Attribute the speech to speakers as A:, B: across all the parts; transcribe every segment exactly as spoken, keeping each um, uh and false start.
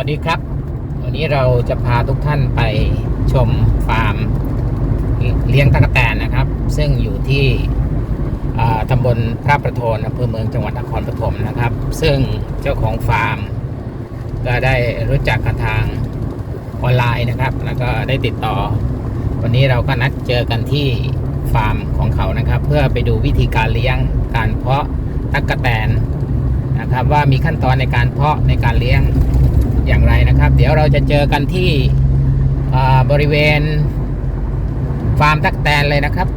A: ดีครับวันนี้เราจะพาทุกท่านไปชมฟาร์มเลี้ยงตั๊กแตนนะครับ ซึ่งอยู่ที่ตำบลพระประโทนอำเภอเมืองจังหวัดนครปฐมนะครับซึ่งเจ้าของฟาร์มก็ได้รู้จักกันทางออนไลน์นะครับแล้วก็ได้ติดต่อวันนี้เราก็นัดเจอกันที่ฟาร์มของเขานะครับเพื่อไปดูวิธีการเลี้ยงการเพาะตั๊กแตนนะครับว่ามีขั้นตอนในการเพาะในการเลี้ยงอย่างไรนะครับเดี๋ยวเราจะเจอกันที่บริเวณฟาร์มตั๊กแตนเลยนะครับ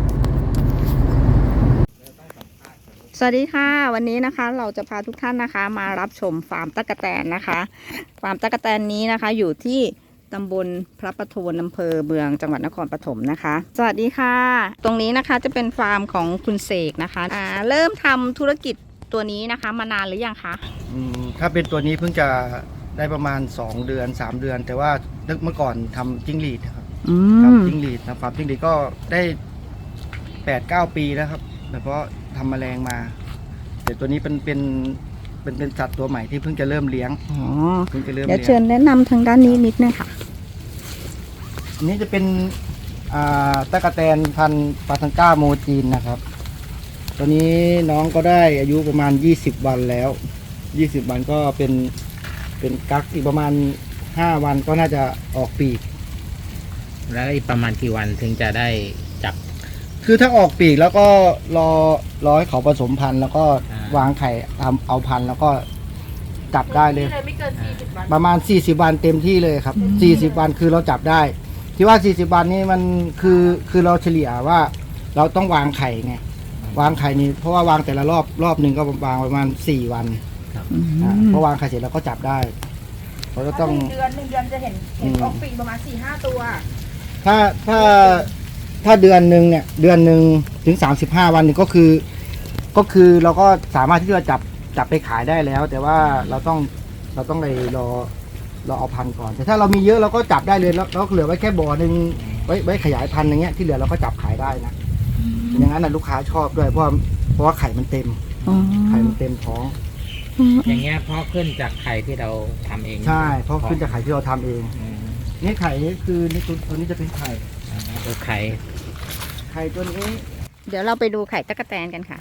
B: สวัสดีค่ะวันนี้นะคะเราจะพาทุกท่านนะคะมารับชมฟาร์มตั๊กแตนนะคะฟาร์มตั๊กแตนนี้นะคะอยู่ที่ตำบลพระประโทนอำเภอเมืองจังหวัดนครปฐมนะคะสวัสดีค่ะตรงนี้นะคะจะเป็นฟาร์มของคุณเสกนะคะอ่าเริ่มทำธุรกิจตัวนี้นะคะมานานหรือยังคะ
C: อืมถ้าเป็นตัวนี้เพิ่งจะได้ประมาณสองเดือนสามเดือนแต่ว่าเมื่อก่อนทำจิ้งหรีดครับทำจิ้งหรีดนะฟาร์มจิ้งหรีดก็ได้แปดเก้าปีแล้วครับแต่เพราะทำแมลงมาแต่ตัวนี้เป็นเป็นเป็นเป็นสัตว์ตัวใหม่ที่เพิ่งจะเริ่มเลี้ยง
B: อ๋อ
C: เพิ่งจะเริ่ม
B: เดี๋ยวเชิญแนะนำทางด้านนี้นิดนึงค่ะ
C: อันนี้จะเป็นอ่าตั๊กแตนพันธุ์ปาทังก้าโมจีนนะครับตัวนี้น้องก็ได้อายุประมาณยี่สิบวันแล้วยี่สิบวันก็เป็นเป็นกั๊กอีกประมาณห้าวันก็น่าจะออกปีก
A: แล้วอีกประมาณกี่วันถึงจะได้จับ
C: คือถ้าออกปีกแล้วก็รอรอให้เขาผสมพันธุ์แล้วก็วางไข่ทำเอาพันธุ์แล้วก็จับได้เลยไม่เกินสี่สิบวันประมาณสี่สิบวันเต็มที่เลยครับสี่สิบวันคือเราจับได้ที่ว่าสี่สิบวันนี้มันคือคือเราเฉลี่ยว่าเราต้องวางไข่ไงวางไข่นี่เพราะว่าวางแต่ละรอบรอบหนึ่งก็วางประมาณสี่วันเพราะวางไข่เสร็จแล้วก็จับได้เราก็ต้อง
D: เดือนหนึ่งเดือนจะเห็นเห็นออกปีกประมาณสี่ห้าตัว
C: ถ้าถ้าถ้าเดือนหนึ่งเนี่ยเดือนหนึ่งถึงสามสิบห้าวันนี่ก็คือก็คือเราก็สามารถที่จะจับจับไปขายได้แล้วแต่ว่าเราต้องเราต้องไปรอรอเอาพันธุ์ก่อนแต่ถ้าเรามีเยอะเราก็จับได้เลยแล้วเราเหลือไว้แค่บ่อหนึ่งไว้ไว้ขยายพันธุ์อย่างเงี้ยที่เหลือเราก็จับขายได้นะอย่างนั้นนะลูกค้าชอบด้วยเพราะเพราะว่าไข่มันเต็มไข่มันเต็มท้อง
A: อย่างเงี้ยเพราะขึ้นจากไข่ที่เราทำเอง
C: ใช่เพราะขึ้นจากไข่ที่เราทำเองนี่ไข่นี่คือนี่ตัวนี้จะเป็นไข่
A: ตัวไข่
C: ไข่ตัวนี้
B: เดี๋ยวเราไปดูไข่ตั๊กแตนกันค่ะ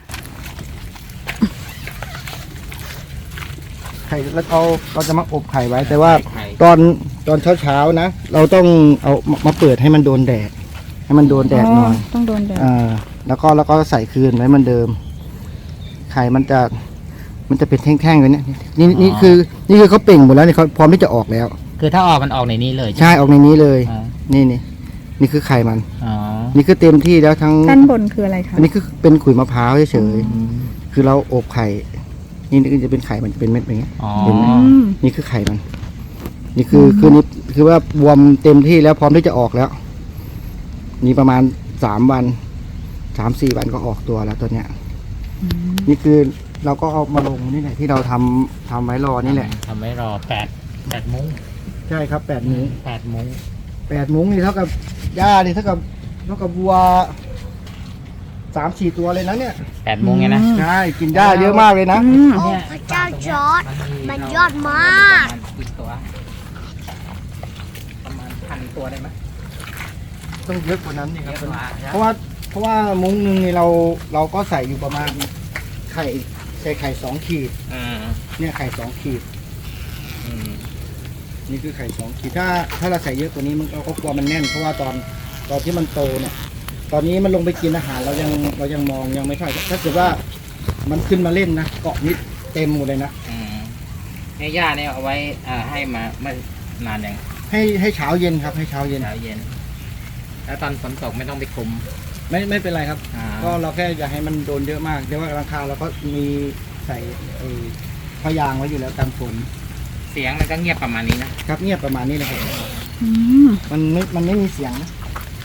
C: ไข่แล้วเราเราจะมาอบไข่ไว้แต่ว่าตอนตอนเช้าเช้านะเราต้องเอามาเปิดให้มันโดนแดดให้มันโดนแดดหน่อย
B: ต้องโดนแดด
C: อ่าแล้วก็แล้วก็ใส่คืนไว้มันเดิมไข่มันจะมันจะเป็นแท่งๆเลยเนี่ยนี่นี่คือนี่คือเขาเป่งหมดแล้วนี่เขาพร้อมที่จะออกแล้ว
A: คือถ้าออกมันออกในนี้เลย
C: ใช่ออกในนี้เลยนี่นี่นี่คือไข่มัน
A: อ๋อ
C: นี่คือเต็มที่แล้วทั้ง
B: ด้านบนคืออะไรคะ
C: อันนี้คือเป็นขุยมะพร้าวเฉยๆคือเราอบไข่นี่นี่จะเป็นไข่มันจะเป็นเม็ดอย่างเงี้ยเห็นไหมนี่คือไข่มันนี่คือคือนี่คือว่าบวมเต็มที่แล้วพร้อมที่จะออกแล้วนี่ประมาณสามวันสามสี่วันก็ออกตัวแล้วตัวเนี้ยนี่คือเราก็เอามาลงนี่แหละที่เราทำทำไว้รอนี่แหละ
A: ทำไว้รอแปดแปดมุ้ง
C: ใช่ครับแปดมุ้ง
A: แปดมุ้ง
C: แปดมุ้งนี่เท่ากับหญ้านี่เท่ากับเท่ากับวัวสามสี่ตัวเลยนะเนี่ย
A: แปดมุ้งไงนะ
C: ใช่กินหญ้าเยอะมากเลยนะ
D: โอ้พระเจ้าจอร์จมันยอดมาก
A: กี่ตัวประมาณพันตัวได้ไหม
C: ต้องเยอะกว่านั้นนี่ครับเพราะว่าเพราะว่ามุ้งหนึ่งนี่เราเราก็ใส่อยู่ประมาณไข่ใส่ไข่สองขีดเนี่ยไข่สองขีดนี่คือไข่สองขีดถ้าถ้าเราใส่เยอะกว่านี้มันเราก็กลัวมันแน่นเพราะว่าตอนตอนที่มันโตเนี่ยตอนนี้มันลงไปกินอาหารเรายังเรายังมองยังไม่ค่อยถ้าเกิดว่ามันขึ้นมาเล่นนะเกาะนิดเต็มหมดเลยนะ
A: ให้ย่าเนี่ยเอาไว้ให้มาไม่นานยัง
C: ให้ให้เช้าเย็นครับให้เช้าเย็น
A: เช้าเย็นแล้วตอนฝนตกไม่ต้องไปคุม
C: ไม่ไม่เป็นไรครับก็เราแค่อยากให้มันโดนเยอะมากแต่ว่าราคาเราก็มีใส่พยางไว้อยู่แล้วกันฝน
A: เสียงมันก็เงียบประมาณนี้นะครับ
C: เงียบประมาณนี้เลยครับมันไม่มันไม่มีเสียงนะ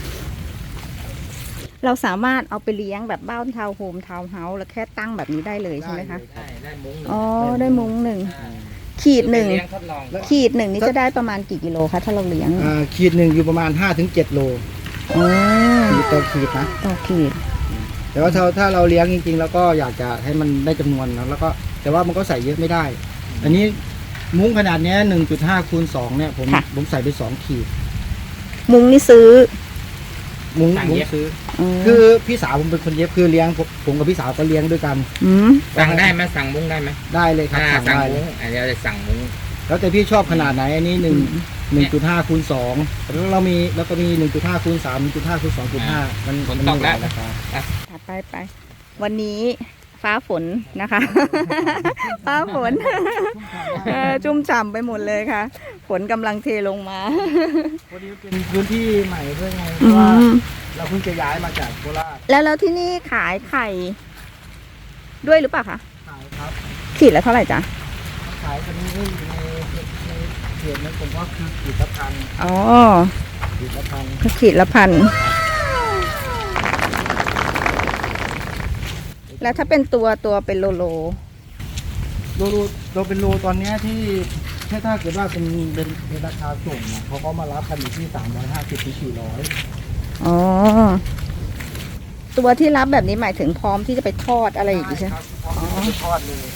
B: เราสามารถเอาไปเลี้ยงแบบบ้านทาวน์โฮมทาวน์เฮาส์แล้วแค่ตั้งแบบนี้ได้เลยใช่ไหมคะ
A: ได้ได้มุ้ง
B: อ๋อได้มุ้งหนึ่งขีดหนึ่งขีดหนึ่งนี่จะได้ประมาณกี่กิโลคะถ้าเราเลี้ยง
C: อ่าขีดหนึ่งอยู่ประมาณห้าถึงเจ็ดโล
B: อ๋อ
C: ต่อขีดนะ
B: ต่อขีด
C: แต่ว่าถ้าถ้าเราเลี้ยงจริงๆแล้วก็อยากจะให้มันได้จำนวนนะแล้วก็แต่ว่ามันก็ใส่เยอะไม่ได้อันนี้มุ้งขนาดเนี้หนึ่งจุดห้าคูณสองเนี่ยผม
B: ค่ะ
C: ผมใส่ไปสองขีด
B: มุ้งนี่ซื้อ
C: มุ้ง
A: สั่ง
C: มุ้ง
A: เย็บ
C: ซื้อ
B: อืม
C: คือพี่สาวผมเป็นคนเย็บคือเลี้ยงผมผมกับพี่สาวก็เลี้ยงด้วยกัน
B: อืม
A: สั่งได้ไหมสั่งมุ้งได้ไหม
C: ได้เลยครับ
A: อ่า
C: สั่ง
A: สั่ง
C: ได้
A: มุ้งอันนี้เราจะสั่งมุ้ง
C: แล้วแต่พี่ชอบขนาดไหนอันนี้หนึ่งหนึ่งจุดห้าคูณสองแล้วเรามีแล้วก็มีหนึ่งจุดห้าคูณสามหนึ่งจุดห้าคูณสองจุดห้ามันมันมีหลายราคา
B: ถัดไปไป วันนี้ฟ้าฝนนะคะ ฟ้าฝน เออจุ่มฉ่ำไปหมดเลยค่ะ ฝนกำลังเทลงมา
C: พอดีเป็นพื้นที่ใหม่ด้วยไงเพ
B: อื
C: ราะว่าม เราเพิ่งจะย้ายมาจากโคราช
B: แล้วแล้วที่นี่ขายไข่ด้วยหรือเปล่าคะ
C: ขายครับ
B: ขีดละเท่าไหร่จ๊ะ
C: ขายกันนี่ในในเขตนั้นผมว่าคือขีดละพัน
B: อ๋อ
C: ขีดละพัน
B: ก็ขีดละพัน แล้วถ้าเป็นตัวตัวเป็นโลโล
C: โลโลเราเป็นโลตอนเนี้ยที่แค่ถ้าเกิดว่าเป็นเป็นเป็นราคาส่งนะเขาก็มารับกันอยู่ที่สามร้อยห้าสิบถึงสี่ร้อย
B: อ๋อ ตัวที่รับแบบนี้หมายถึงพร้อมที่จะไปทอดอะไรอย่างงี้ใช่ไหม
C: ครับพร้อมที่จะไปทอดเลย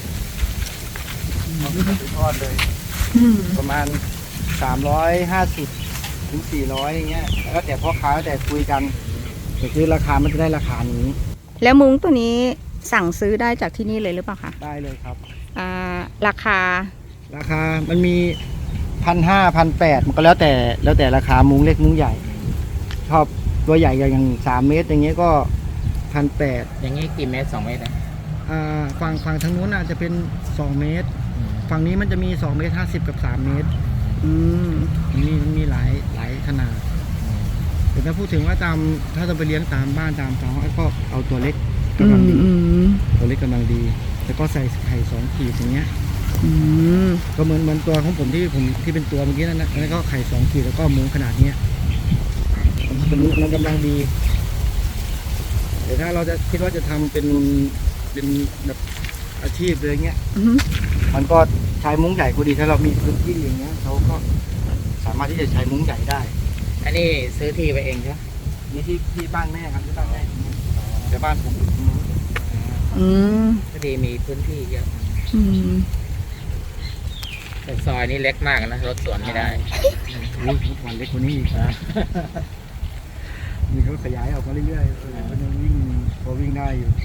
C: พร้อมที่จะไปทอดเลย
B: อืม
C: ประมาณสามร้อยห้าสิบถึงสี่ร้อยอย่างเงี้ยแล้วแต่พ่อค้าแล้วแต่คุยกันแต่คือราคามันจะได้ราคานี้
B: แล้วมุ้งตัวนี้สั่งซื้อได้จากที่นี่เลยหรือเปล่าคะ
C: ได้เลยครับ
B: อ่า ราคา
C: ราคามันมีพันห้าพันแปดมันก็แล้วแต่แล้วแต่ราคามุ้งเล็กมุ้งใหญ่ ชอบตัวใหญ่อย่างสามเมตรอย่างเงี้ยก็พันแปด
A: อย่างนี้กี่เมตรสองเมตรนะ
C: อ่าฝั่งฝั่งทางนู้นอาจจะเป็นสองเมตร ฝั่งนี้มันจะมีสองเมตรห้าสิบกับสามเมตร
B: อืม
C: มันมีมันมีหลายหลายขนาดแต่ถ้าพูดถึงว่าตามถ้าเราไปเลี้ยงตามบ้านตามท้องก็เอาตัวเล็ก
B: อื
C: กำลัง
B: ม
C: ดี
B: อืม
C: ตัวเล็กกำลังดี แล้วก็ใส่ไข่สองขีดอย่างเงี้ย
B: อืม
C: ก็เหมือนเหมือนตัวของผมที่ผมที่เป็นตัวเมื่อกี้นั่นนะแล้วก็ไข่สองขีดแล้วก็มุ้งขนาดเนี้ยมันมันกำลังดีแต่ถ้าเราจะคิดว่าจะทำเป็นเป็นแบบอาชีพเลยเงี้ย
B: อืม
C: มันก็ใช้มุ้งใหญ่ก็ดีถ้าเรามีพื้นที่อย่างเงี้ยเราก็สามารถที่จะใช้มุ้งใหญ่ได้
A: อันนี้ซื้อที่ไปเองใช่ไหม
C: นี่ที่ที่บ้านแม่ครับที่บ้านแม่แต่บ้านผมอยู่ตรงนู้น
B: อืม
A: พอดีมีพื้นที่เยอะ
B: อืม
A: แต่ซอยนี้เล็กมากนะรถสวนไม่ได้
C: อุ้ยทุกวันเล็กกว่านี้อีกนะ มีเขาขยายออกมาเรื่อยๆเออมันยังวิ่งพอวิ่งได้อยู่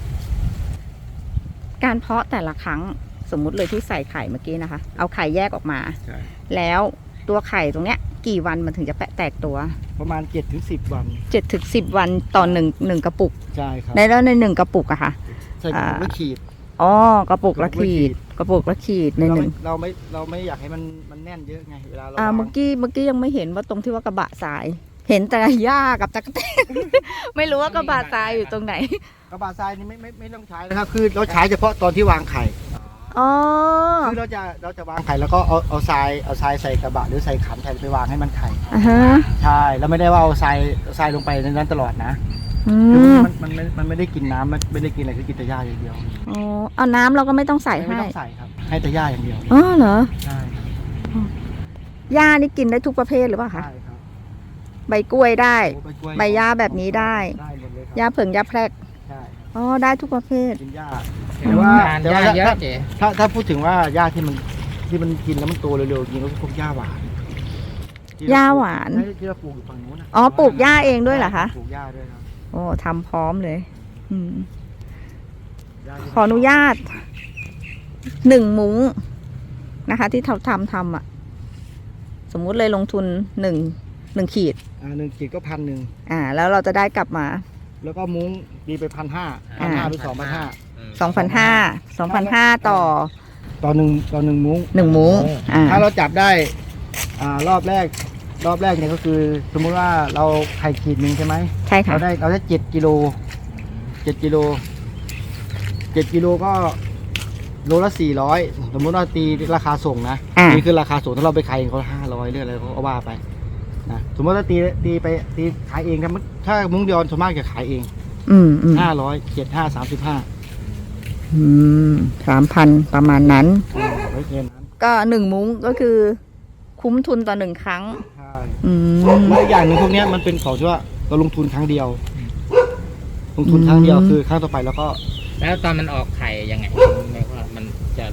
B: การเพาะแต่ละครั้งสมมุติเลยที่ใส่ไข่เมื่อกี้นะคะ เอาไข่แยกออกมา
C: ใช่
B: แล้วตัวไข่ตรงเนี้ย กี่วันมันถึงจะแปะแตกตัว
C: ประมาณเจ็ดถึงสิบวัน
B: เจ็ดถึงสิบวันต่อหนึ่งหนึ่งกระปุก
C: ใช่ครับ
B: ในแล้วในหนึ่งกระปุกอะค่ะ
C: ใส่กระปุกละขีด
B: อ๋อกระปุกละ
C: กระปุกละขี
B: ขีด
C: ด
B: กระปุกละขีดใน
C: เรา
B: ห
C: ไม่
B: นึ่ง
C: เราไม่เราไม่อยากให้มันมันแน่นเยอะไงเวลาเรา
B: อ่าว
C: าง
B: เมื่อกี้เมื่อกี้ยังไม่เห็นว่าตรงที่ว่ากระบะทราย เห็นแต่หญ้ากับตะกแตน ไม่รู้ว่ากระบะทรายอยู่ตรงไหน
C: กระบะทรายนี่ไม่ไม่ไม่ต้องใช้นะครับคือเราใช้เฉพาะตอนที่วางไข่
B: อ๋อ
C: คือเราจะเราจะวางไข่แล้วก็เอาเอาทรายเอาทรายใส่กระบะหรือใส่ขันไข่ไปวางให้มันไข่
B: อ่าฮะ
C: ใช่แล้วไม่ได้ว่าเอาทรายเอาทรายลงไปในนั้นตลอดนะ
B: อื
C: คือ
B: ม
C: มันมันมันมันไม่ได้กินน้ำมันไม่ได้กินอะไรคือกินแต่หญ้าอย่างเดียว
B: อ๋อเอาน้ำเราก็ไม่ต้องใส่
C: ไม่
B: ให้
C: ต้องใส่ครับ ให้แต่หญ้าอย่างเดียว
B: อ๋อเหรอ
C: ใช่ครับ
B: หญ้านี่กินได้ทุกประเภทหรือเปล่าคะ
C: ใช่ครับ
B: ใบกล้วยได้
C: โอ้กล้วย
B: ใบหญ้าแบบนี้ได้
C: ได้หมดเลยค
B: หญ้า
C: รับ
B: เผิงหญ้าแพรก
C: ใช่
B: อ๋อได้ทุกประเภท
C: กินหญ้า
A: แต่
C: แต่
A: ว่า
C: ว่า
A: ทาน
C: แต่
A: ยา
C: ว่า
A: เย
C: ถ้า
A: อะเจ๊
C: ถ้าถ้าพูดถึงว่าหญ้าที่มันที่มันกินแล้วมันโตเร็วๆจริงๆก็พวกหญ้าหวานที่เร
B: หญ้าหวาน
C: ใช่ที่เราปลูกอยู่ฝั่งนู้นนะ
B: อ๋อปลูกหญ้าเองด้วยเหรอคะ
C: ปลูกหญ้าด้วยครับ
B: โอ้ทำพร้อมเลย อืม
C: หญ้าที่
B: ขออนุญาตหนึ่งมุ้งนะคะ ที่ทำทำทำอ่ะ สมมุติเลยลงทุนหนึ่งหนึ่งขีด
C: อ่าหนึ่งขีดก็พันหนึ่ง
B: อ่า แล้วเราจะได้กลับมา
C: แล้วก็มุ้งดีไปพันห้าพั
B: อ่า
C: นห้าหรือสองพันห้า
B: สองพันห้าสองพันห้าต่อ
C: ต่อหนึ่งต่อหนึ่งมุ้ง
B: หนึ่งมุ้งอ่า
C: ถ้าเราจับได้อ่ารอบแรก รอบแรกเนี่ยก็คือ สมมุติว่าเราไข่ขีดหนึ่งใช่ไหม
B: ใช่ค่ะ
C: เราได้เราได้เจ็ดกิโลเจ็ดกิโลเจ็ดกิโลก็โลละสี่ร้อยสมมุติว่าตีราคาส่งนะ
B: อ่า
C: นี่คือราคาส่งถ้าเราไปขายเองเขาห้าร้อยเรื่องอะไรเขาก็ว่าไปนะสมมติว่าตีตีไปตีขายเองถ้าถ้ามุ้งเดียวส่วนมากจะขายเอง
B: อืมอืม
C: ห้าร้อยเจ็ดห้าสามสิบห้า
B: อืมสามพันประมาณนั้น
C: ไม่เกินนั้น
B: ก็หนึ่งมุ้งก็คือ คุ้มทุนต่อหนึ่งครั้ง
C: ใช่
B: อืม
C: แล้วอย่างหนึ่งพวกเนี้ยมันเป็นของที่ว่าเราลงทุนครั้งเดียว ลงทุนครั้งเดียว
B: อืม
C: คือครั้งต่อไปแล้วก็
A: แล้วตอนมันออกไข่ยังไงไม่ว่ามันจะฟัก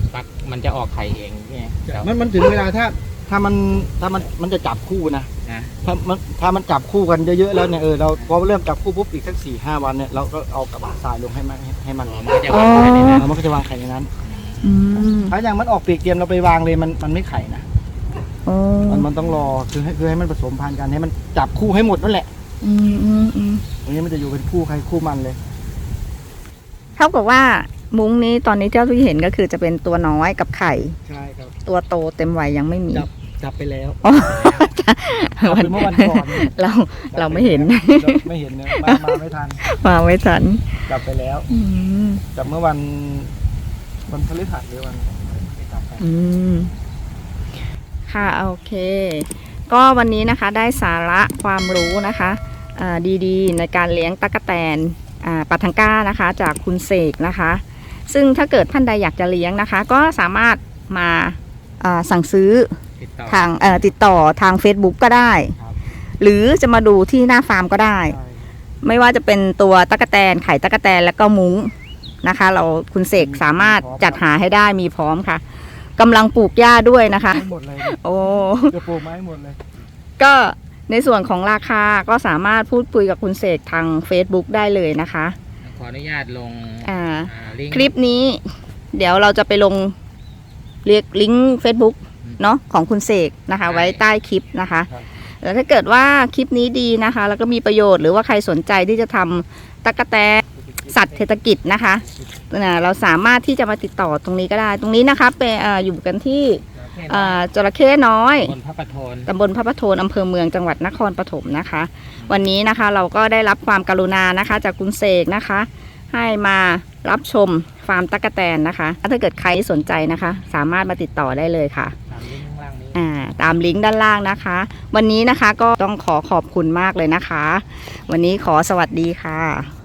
A: มันจะออกไข่เองไงเดี๋ยว
C: มันมันถึงเวลาถ้าถ้ามันถ้ามันมันจะจับคู่นะ
A: นะ
C: ถ้ามันถ้ามันจับคู่กันเยอะๆแล้วเนี่ยเออเราพอเริ่มจับคู่ปุ๊บอีกสักสี่ห้าวันเนี่ยเราก็เอากระบะทรายลงให้มันให้มัน
A: มันก็จะวางไข่ในนั้น
C: แล้วมันก็จะวางไข่ในนั้น
B: อืม
C: ถ้าอย่างมันออกปีกเตรียมเราไปวางเลยมันมันไม่ไข่นะ
B: โอ้
C: มันมันต้องรอคือให้คือให้มันผสมพันธุ์กันให้มันจับคู่ให้หมดนั่นแหละ
B: อืมอืมอืม
C: ตรงนี้มันจะอยู่เป็นคู่ใครคู่มันเลย
B: เท่ากับว่ามุ้งนี้ตอนนี้เจ้าที่เห็นก็คือจะเป็นตัวน้อยกับไข่
C: ใช่ครับ
B: ตัวโตเต็มวัยยังไม่มี
C: จับจับไปแล้ว
B: อ๋อ
C: จับไปเมื่อวันก่อน
B: เราเราไม่เห็น
C: เราไม่เห็นเนี่ยมามาไม่ทัน
B: มาไม่ทัน
C: จับไปแล้ว
B: อืม
C: จับเมื่อวันวันพฤหัสหรือวันไม่จับไป
B: อืมค่ะโอเค ก็วันนี้นะคะได้สาระความรู้นะคะอ่าดีๆ ในการเลี้ยงตั๊กแตนอ่าปัทังก้านะคะ จากคุณเสกนะคะ ซึ่งถ้าเกิดท่านใดอยากจะเลี้ยงนะคะ ก็สามารถมาอ่าสั่งซื้อ
A: ติดต่อ
B: ทางเอ่อติดต่อทาง Facebook ก็ได้
C: ครับ
B: หรือจะมาดูที่หน้าฟาร์มก็ได้
C: ใช่
B: ไม่ว่าจะเป็นตัวตั๊กแตนไข่ตั๊กแตนแล้วก็มุ้งนะคะ เราคุณเสกสามารถจัดหาให้ได้มีพร้อมค่ะกำลังปลูกหญ้าด้วยนะคะ
C: ให้หมดเลย
B: โอ้
C: จะปลูกไม้หมดเลย
B: ก็ในส่วนของราคาก็สามารถพูดคุยกับคุณเสกทาง Facebook ได้เลยนะคะ
A: ขออนุญาตลง
B: อ่า
A: อ่าลิงก์
B: คลิปนี้เดี๋ยวเราจะไปลงเรียกลิงก์ Facebook เนาะของคุณเสกนะคะ ไว้ใต้คลิปนะคะ
C: ครับ
B: แล้วถ้าเกิดว่าคลิปนี้ดีนะคะ แล้วก็มีประโยชน์หรือว่าใครสนใจที่จะทำตั๊กแตนสัตว์เศรษฐกิจนะคะนะเราสามารถที่จะมาติดต่อตรงนี้ก็ได้ ตรงนี้นะคะเป็นเอ่ออยู่กันที่เอ่อจระเข้น้อย
A: บนพระประโทน
B: ตำบลพระประโทนอำเภอเมืองจังหวัดนครปฐมนะคะ วันนี้นะคะเราก็ได้รับความกรุณานะคะ จากคุณเสกนะคะ ให้มารับชมฟาร์มตั๊กแตนนะคะ ถ้าเกิดใครสนใจนะคะ สามารถมาติดต่อได้เลยค่ะ
A: ตามลิงก์ข้างล่างนี้
B: อ่าตามลิงก์ด้านล่างนะคะ วันนี้นะคะก็ต้องขอขอบคุณมากเลยนะคะ วันนี้ขอสวัสดีค่ะ